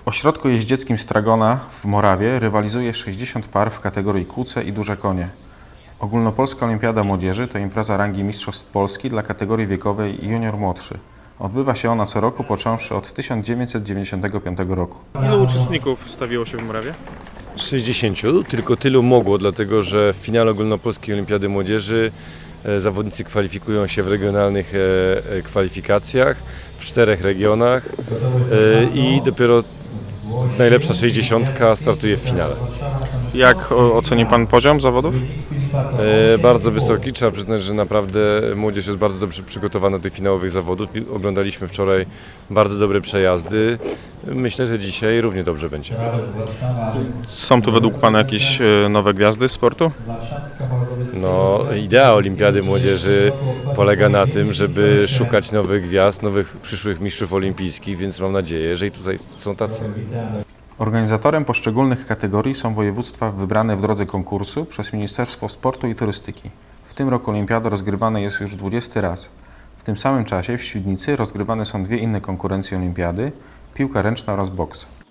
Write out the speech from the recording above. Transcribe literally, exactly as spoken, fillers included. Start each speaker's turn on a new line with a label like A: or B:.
A: W ośrodku jeździeckim Stragona w Morawie rywalizuje sześćdziesiąt par w kategorii kłuce i duże konie. Ogólnopolska Olimpiada Młodzieży to impreza rangi Mistrzostw Polski dla kategorii wiekowej junior młodszy. Odbywa się ona co roku, począwszy od tysiąc dziewięćset dziewięćdziesiątego piątego roku.
B: Ilu uczestników stawiło się w Morawie?
C: sześćdziesięciu, tylko tylu mogło, dlatego że w finale Ogólnopolskiej Olimpiady Młodzieży e, zawodnicy kwalifikują się w regionalnych e, e, kwalifikacjach w czterech regionach e, i dopiero najlepsza sześćdziesiątka startuje w finale.
B: Jak o- oceni Pan poziom zawodów?
C: E, bardzo wysoki, trzeba przyznać, że naprawdę młodzież jest bardzo dobrze przygotowana do tych finałowych zawodów. Oglądaliśmy wczoraj bardzo dobre przejazdy. Myślę, że dzisiaj równie dobrze będzie.
B: Są tu według Pana jakieś e, nowe gwiazdy sportu?
C: No, idea Olimpiady Młodzieży polega na tym, żeby szukać nowych gwiazd, nowych przyszłych mistrzów olimpijskich, więc mam nadzieję, że i tutaj są tacy.
A: Organizatorem poszczególnych kategorii są województwa wybrane w drodze konkursu przez Ministerstwo Sportu i Turystyki. W tym roku olimpiada rozgrywana jest już dwudziesty raz. W tym samym czasie w Świdnicy rozgrywane są dwie inne konkurencje olimpiady – piłka ręczna oraz boks.